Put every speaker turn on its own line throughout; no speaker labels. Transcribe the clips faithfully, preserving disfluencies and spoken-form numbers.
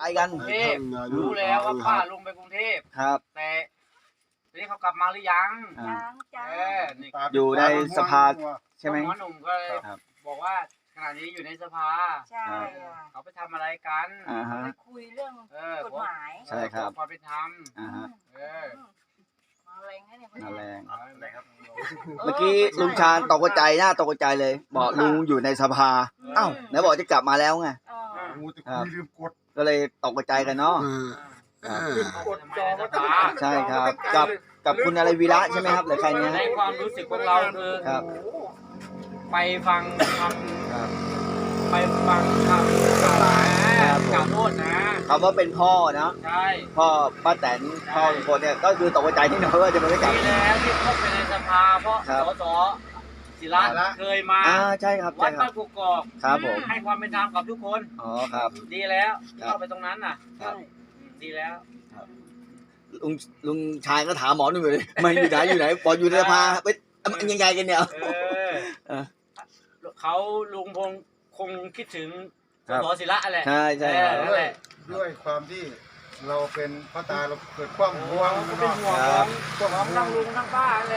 ไปกัน
กรุงเทพรู้แล้วว่าป้าลงไปกรุงเทพ
ครับ
แต่ทีนี้เขากลับมาหรือยัง
ยังจ้า
อยู่ในสภาใช่ไหม
หมอหนุ่มก็เลยบอกว่าขณะนี้อยู่ในสภา
ใช่
เขาไปทำอะไรกัน
ไปคุยเรื่องกฎหมาย
ใช่ครับ
ความเป็นธรรมเออ
มาแรงนะเนี่ย
มาแรง
อะไรครับ
เมื่อกี้ลุงชาญตกใจหน้าตกใจเลยบอกลุงอยู่ในสภาอ้าวไหนบอกจะกลับมาแล้วไงก็เลยตกใจกันเนาะใช่ครับกับกับคุณอะไรวีระใช่ไหมครับหรือใครเนี่ย
ในความรู้สึกของเราคือไปฟังคำไปฟังคำกล่าวกล่าวโทษนะ
คำว่าเป็นพ่อเนาะ
ใช่
พ่อป้าแตนพ่อคนเนี่ยก็คือตกใจที่น้อยว่าจะไม่ได้กลับ
แล้วที่เข้าไปในสภาเพราะสสศิระเคยมา
อ่าใช่ครับ
วัดบ้านกุกกอก
ครับผม
ให้ความเป็นธรรมกับทุกคน
อ๋อครับ
ดีแล้วเข้าไปตรงนั้นน่ะดีแล้ว
ลุงลุงชายก็ถามหมอหนุ่มเลยมาอยู่ไหนอยู่ไหนบอกอยู่ในสภาไปยังไงกันเนี่ย
เขาลุงพงคงคิดถึงสสศิระแหละ
ใช่ใช่
ด้วยความที่เราเป็นพ่อตาเราเกิดความห่วง
เป็นห่วงของของทั้งลุงทั้งป้าเลย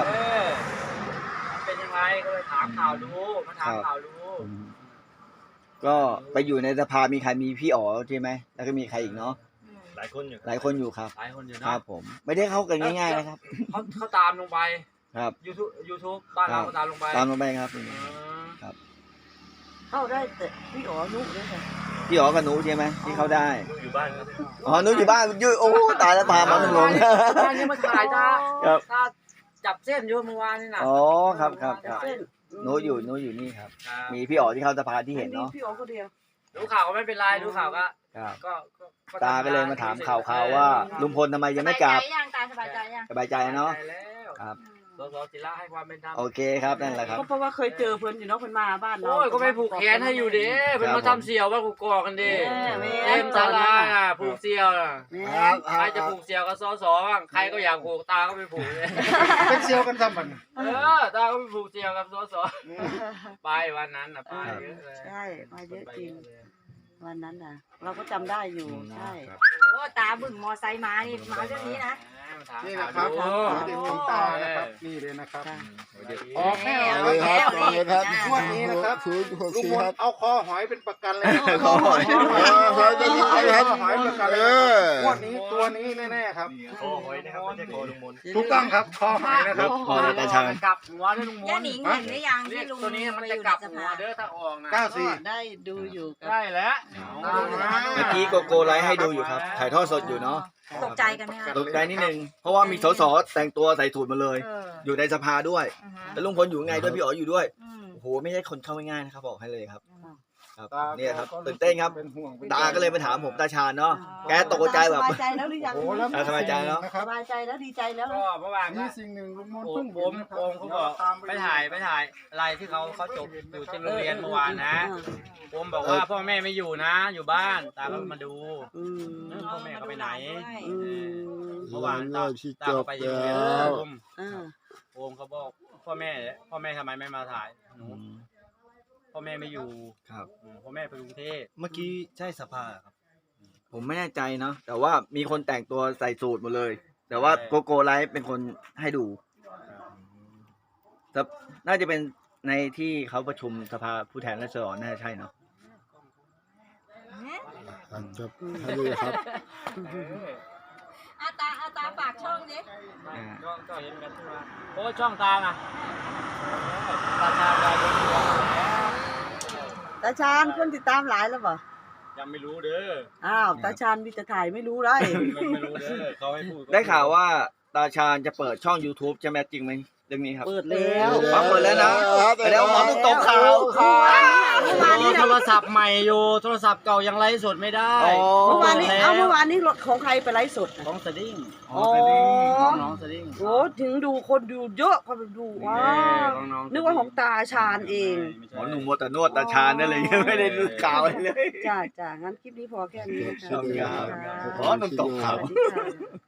เป็นยังไงก็เลยถามข่าวดูมาถามข่าวดู
ก็ไปอยู่ในสภามีใครมีพี่อ๋อใช่ไหมแล้วก็มีใครอีกเนาะ
หลายคนอยู่
หลายคนอยู่ครับ
หลายคนอยู่
นะครับผมไม่ได้เข้ากันง่ายๆนะครับ
เขาเขาตามลงไป
ครับ
ยูทูบยูทูบบ้านเราตามลงไป
ตามลงไปครับครับ
เข้าได้แต่พี่อ๋อนุ๊กด้วยค่ะ
พี่อ๋อกับหนูใช่ไหมที่เข้าได้
อยู่บ้านครับ
อ๋อหนูอยู่บ้านยืดโอ้ตายแล้วพาหมอหนุ่มลง
บ้านนี้มาถ่ายตาตาจับเส้นอยู่เมื่อวานนี่นะ
อ๋อครับครับครับหนูอยู่หนูอยู่นี่ครับมีพี่อ๋อที่เข้าสภาที่เห็นเนาะ
พี่อ๋อคนเดียว
ดูข่าวก็ไม่เป็นไรดูข่าวก็ก็
ตาก็เลยมาถามข่าวข่าวว่าลุงพลทำไมยังไม่กลับ
สบายใจยังตาสบายใจยัง
สบายใจเนาะครับ
สสศิระให้ความเป็นธรรม
โอเคครับนั่นแหละครับ
เพราะว่าเคยเจอเพื่อนอยู่เนาะเพื่อนมาบ้านเรา
โอ้ยก็ไปผูกแขนให้อยู่ดิเพื่อนมาทำเสี่ยวว่ากูกอกันดิเต็มศาลาอ่ะผูกเสี่ยวอ่ะใครจะผูกเสี่ยวกับสสบ้างใครก็อยากผูกตาก็ไปผูก
เป็นเสี่ยวกันซ้ำมัน
เออตาก็ไปผูกเสี่ยวกับสสไปวันนั้นอ่ะไปเยอะเลย
ใช่ไปเยอะจริงวันนั้นน่ะเราก็จำได้อยู่ใช่โอ้ตาบึ้งมอไซค์มานี่มาเรื่องนี้นะ
นี่นะครับเด็กของตานะครับนี่เลยนะครับออกแน่
เลยครับ
เลยครับงวดนี้นะครับลุงพลเอาคอหอยเป็นประกันเลย
คอหอย
หอยเป็นหอยหอยประกันเลยงวดนี้ตัวนี้แน่ๆครับ
คอหอยนะครับไม่ใช่คอลุงมน
ถูกต้องครับคอหอยนะครับ
คอตาชาน
กลับหัวด้วยลุงมน
ย่าหนิงเห็นหรือยังที่ลุง
ตัวนี้มันจะกลับหัวเด้อถ้าออกนะ
เก้าสี่
ได้ดูอยู่
ได้แล้ว
เมื่อกี้โกโก้ไลฟ์ให้ดูอยู่ครับถ่ายทอดสดอยู่เนาะ
ตกใจกันไหมคะ
ตกใจนิดนึงเพราะว่ามีสสแต่งตัวใส่สูทมาเลยอยู่ในสภาด้วยแล้วลุงพลอยู่ไงด้วยพี่อ๋ออยู่ด้วยโอ้โหไม่ใช่คนเข้าง่ายๆนะครับบอกให้เลยครับครับเนี่ยครับตื่นเต้นครับตาก็เลยมาถามผมตาชาญเนาะแกตกใจแบบ
สบายใจแล้วหรือยัง
สบายใจแล้ว
สบายใจแล้วดีใจแล้ว
ก็เมื่อวาน
นี่สิ่งหนึ่งลุงมน
ผมผมองเขาบอกไปถ่ายไปถ่ายอะไรที่เขาเขาจบอยู่ที่โรงเรียนเมื่อวานนะผมบอกว่าพ่อแม่ไม่อยู่นะอยู่บ้านตาก็มาดูพ่อแม่เขาไปไหนเมื่อวานตาตาไปอยู่โรงเรียนผมโอมเขาบอกพ่อแม่พ่อแม่ทำไมไม่มาถ่ายหนูพ่อแม่ไม่อยู่
ครับ
พ่อแม่ไปกรุงเทพ
เมื่อกี้ใช่สภาครับผมไม่แน่ใจเนาะแต่ว่ามีคนแต่งตัวใส่สูทหมดเลยแต่ว่าโกโก้ไลฟ์เป็นคนให้ดูแต่น่าจะเป็นในที่เขาประชุมสภาผู้แทนราษฎรน่าจะใช่เนาะ
ครับให้ดูครับ
อาตาอาตาฝากช่องดิ
ช่องก็เห็นกันทั่วโอ้ช่องตาอ่ะตาชาได้ดู
ตาชาญคนติดตามหลายแล้วป่ะ
ยังไม่รู้เด้อ
อ้าวตาชาญมีแต่ถ่ายไม่รู้ได้
ไม่รู้เด้อเขาให้พูด
ได้ข่าวว่าตาชาญจะเปิดช่อง YouTube ใช่ไหมจริงไหมเรื่องนี้ครับ
เปิดแล้ว
เปิดแล้วนะแล้วหมอต้องตกข่าว
โทรศัพท์ใหม่อยู่โทรศัพท์เก่ายังไลฟ์สดไม่ได้
เมื่อวานนี้เอาเมื่อวานนี้รถของใครไปไลฟ์สด
ของสดิ้ง
อ๋อ
น้องสดิ้ง
โอ้ถึงดูคนดูเยอะคนดูว้าวนึกว่าของตาชาญเอง
หมอหนุ่มมัวแต่นวดตาชาญนั่นเลยไม่ได้ดูข่าวเลย
จ้าจ้างั้นคลิปนี้พอแค่นี้
หมอหนุ่มตกข่าว